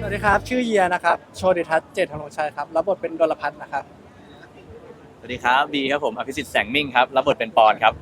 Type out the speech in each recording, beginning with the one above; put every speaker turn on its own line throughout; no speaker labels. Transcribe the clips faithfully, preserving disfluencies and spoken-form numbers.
วัสดีครับชื่อเยียนะครับโชติทัศน์เจตธนงชัยครับรับบทเป็นดลพัฒน์นะครับ
สวัสดีครับบีครับผมอภิสิทธิ์แสงมิ่งครับรับบทเป็นปอนครับ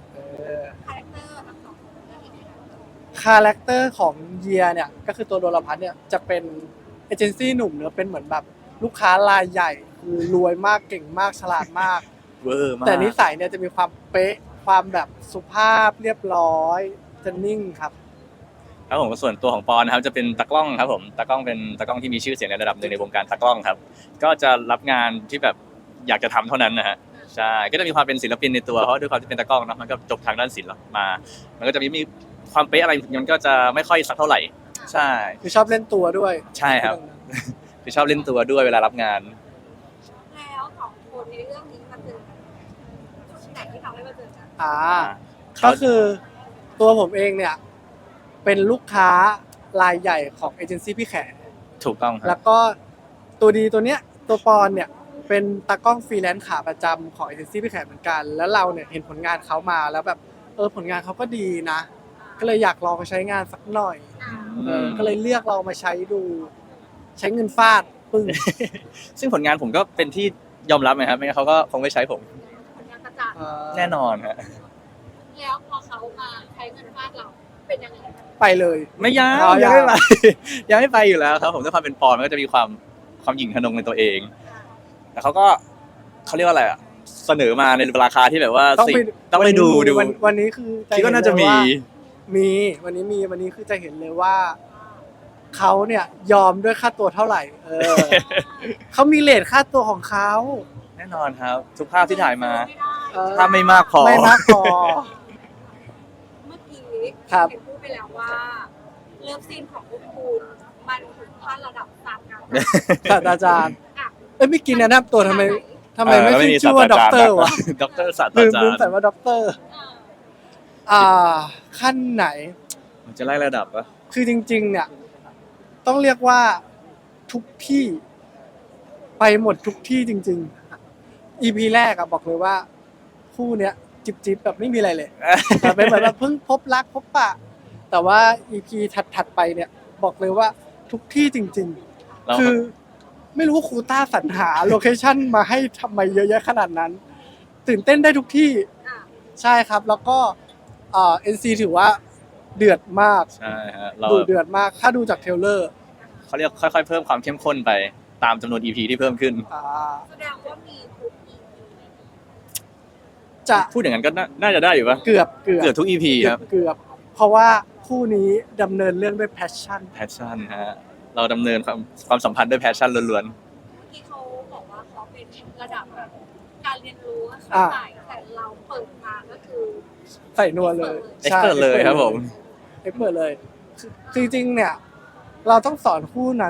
คาแรคเตอร์ของเยียเนี่ยก็คือตัวดลพัฒน์เนี่ยจะเป็นเอเจนซี่หนุ่มเนอะเป็นเหมือนแบบลูกค้ารายใหญ่คือรวยมากเก่งมากฉลาดมาก
เวอร์มาก
แต่นิสัยเนี่ยจะมีความเป๊ะความแบบสุภาพเรียบร้อยจะนิ่งครับ
ครับผมส่วนตัวของปอนนะครับจะเป็นตากล้องครับผมตากล้องเป็นตากล้องที่มีชื่อเสียงในระดับหนึ่งในวงการตากล้องครับก็จะรับงานที่แบบอยากจะทำเท่านั้นนะฮะใช่ก็จะมีความเป็นศิลปินในตัวเพราะด้วยความที่เป็นตากล้องเนาะมันก็จบทางด้านศิลป์มามันก็จะมีมีความเป๊ะอะไรมันก็จะไม่ค่อยสักเท่าไหร่ใช่
คือชอบเล่นตัวด้วย
ใช่ครับคือชอบเล่นตัวด้วยเวลารับงาน
แล้วสองคนในเรื่องนี้มาเจอกันจุดไหนที่ทำให้มาเจอกัน
อ่าก็คือตัวผมเองเนี่ยเป็นลูกค้ารายใหญ่ของเอเจนซี่พี่แขก
ถูกต้องครั
แล้
บ
วก็ตัวดีตัวเนี้ยตัวปอนเนี่ยเป็นตากล้องฟรีแลนซ์ขาประจำของเอเจนซี่พี่แขกเหมือนกันแล้วเราเนี่ยเห็นผลงานเขามาแล้วแบบเออผลงานเขาก็ดีนะก็เลยอยากลองมาใช้งานสักหน่อยเออก็เลยเลือกเรามาใช้ดูใช้เงินฟาดปึ้ง
ซึ่งผลงานผมก็เป็นที่ยอมรับนะครับไม่งั้นเขาก็คงไม่ใช้ผม
ผลงานกระจ่าง
แน่นอนฮะ
แล้วพอเขามาใช้เงินฟาดเราเป็นยังไง
ไปเลย
ไม่ยัง
อ๋อ
ยังไม่ไป
ยัง
ยังไม่ไปอยู่แล้วครับผมด้วยความเป็นปอนมันก็จะมีความความหยิ่งทะนงในตัวเองแต่เขาก็เขาเรียกว่าอะไรอะเสนอมาในราคาที่แบบว่า
ต้องไป
ต้องไปดูดู
วันวันนี้คือ
คิดว่าน่าจะมี
มีวันนี้มีวันนี้คือจะเห็นเลยว่าเขาเนี่ยยอมด้วยค่าตัวเท่าไหร่เออ เขามีเรทค่าตัวของเขา
แน่นอนครับทุกภาพที่ถ่ายมา
เออ
ถ้าไม่มากพอ
ไม่มากพอ
เมื่อกี้
ครับ
เห็นพูดไปแล้วว่าเลิฟซีนของพวกคุณมันถึงขั้นระดับศาสตราจารย์
ศาสตราจารย์
อ่ะ
เอ้ยไม่กินแนะนำตัวทำไมทำไมไม่
เออ
ขึ้นชื่อว่าด็อกเตอร์วะ
ด็อกเตอร์ศาสต
ลื
ราม จา
ลืม
รย์
ใส่ว่าด็อกเตอร์
เออ
อ่าขั้นไหน
มันจะไล่ระดับปะ
คือจริงๆเนี่ยต้องเรียกว่าทุกที่ไปหมดทุกที่จริงๆ อี พี แรกอะบอกเลยว่าคู่เนี้ยจิบจิบแบบไม่มีอะไรเลย แต่เป็นเหมือนแบบเพิ่งพบรักพบปะแต่ว่า อี พี ถัดๆไปเนี่ยบอกเลยว่าทุกที่จริงๆ คือไม่รู้ว่าครูต้าสรรหาโลเคชั่นมาให้ทำไมเยอะแยะขนาดนั้น ตื่นเต้นได้ทุกที่
อ่ะ
ใช่ครับแล้วก็เอ่อ เอ็น ซี ถือว่าเดือดมาก
ใช่ฮะเรา
ดูเดือดมากถ้าดูจากเทรลเลอร์
เขาเรียกค่อยๆเพิ่มความเข้มข้นไปตามจำนวน อี พี ที่เพิ่มขึ้น
อ่า
แสดงว่ามีทุก อี พี
จะ
พูดอย่างนั้นก็น่าน่าจะได้อยู่ปะ
เกือบเกือบ
เกือบทุก อี พี
เกื
ค
อ
รั
บบ เกือบเพราะว่าคู่นี้ดำเนินเรื่องด้วยแพชชั่น
แพชชั่นฮะเราดำเนินความความสัมพันธ์ด้วยแพชชั่นล้วน
เมื่อกี้เขาบอกว่าเขาเป็นระดับแบบการเรียนรู้อะ
อ่ะ
ค่ะแต่เราเปิดมาก็คือ
ใส่นัวเลย
ๆ expert เลยครับผม
เอ็กเปิดเลยคือคือจริงๆเนี่ย เราต้องสอนคู่นั้น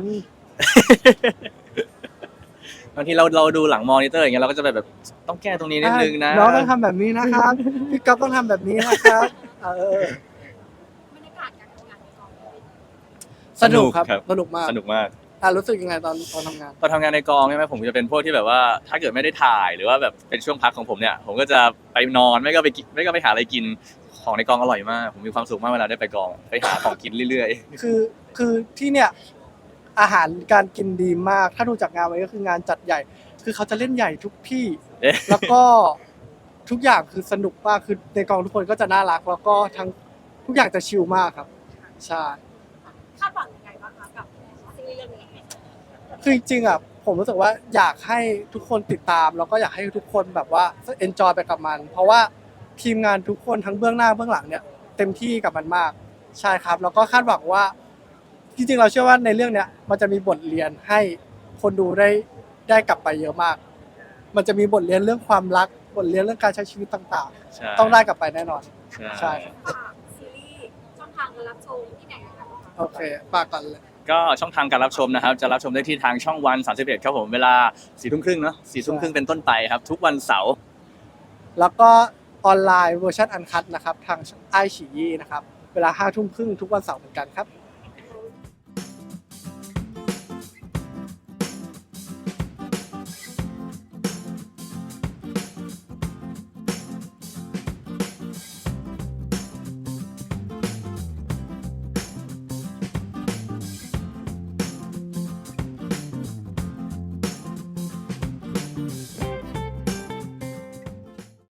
บางทีเราเราดูหลังมอนิเตอร์อย่างเงี้ยเราก็จะแบบแบบต้องแก้ตรงนี้นิดนึงนะ
น้องต้องทำแบบนี้นะครับ พี่ก๊อฟต้องทำแบบนี้นะครับเออบ
รรยากาศการทำงานในกองเป็นยังไง
สนุกครับสนุกมาก
สนุกมาก
อ่ะรู้สึกยังไงตอนตอนทำงาน
ตอนทำงานในกองใช่ไหมผมจะเป็นพวกที่แบบว่าถ้าเกิดไม่ได้ถ่ายหรือว่าแบบเป็นช่วงพักของผมเนี่ยผมก็จะไปนอนไม่ก็ไปกินไม่ก็ไปหาอะไรกินของในกองอร่อยมากผมมีความสุขมากเวลาได้ไปกองไปหาของกินเรื่อย
คือคือที่เนี่ยอาหารการกินดีมาก ถ้าดูจากงานไว้ก็คืองานจัดใหญ่ คือเขาจะเล่นใหญ่ทุกที่
ๆเอ๊ะ
แล้วก็ทุกอย่างคือสนุกมากคือในกองทุกคนก็จะน่ารัก แล้วก็ทั้งทุกอย่างจะชิลมากครับใช่
คาดหวังยังไงบ้างคะกับซีรีส์เรื่องนี้
คือจริงๆอ่ะผมรู้สึกว่าอยากให้ทุกคนติดตาม แล้วก็อยากให้ทุกคนแบบว่าเอนจอยไปกับมัน เพราะว่าทีมงานทุกคนทั้งเบื้องหน้าเบื้องหลังเนี่ยเต็มที่กับมันมากใช่ครับ แล้วก็คาดหวังว่าจริงๆเราเชื่อว่าในเรื่องเนี้ยมันจะมีบทเรียนให้คนดูได้ได้กลับไปเยอะมาก มันจะมีบทเรียนเรื่องความรักบทเรียนเรื่องการใช้ชีวิตต่าง
ใช่
ๆ ต้องได้กลับไปแน่นอน
ใช่
ใช่
ฝากซีรีส์ช่องทางการรับชมที่ไหนกันบ้างคะ
โอเคฝากก่อนเลย
ก็ช่องทางการรับชมนะครับจะรับชมได้ที่ทางช่องวันสามสิบเอ็ดครับผมเวลาสี่ทุ่มครึ่งเนาะสี่ทุ่มครึ่งเป็นต้นไปครับทุกวันเสาร์
แล้วก็ออนไลน์เวอร์ชันอันคัตนะครับทางไอฉี่ยี่นะครับเวลาห้าทุ่มครึ่งทุกวันเสาร์เหมือนกันครับ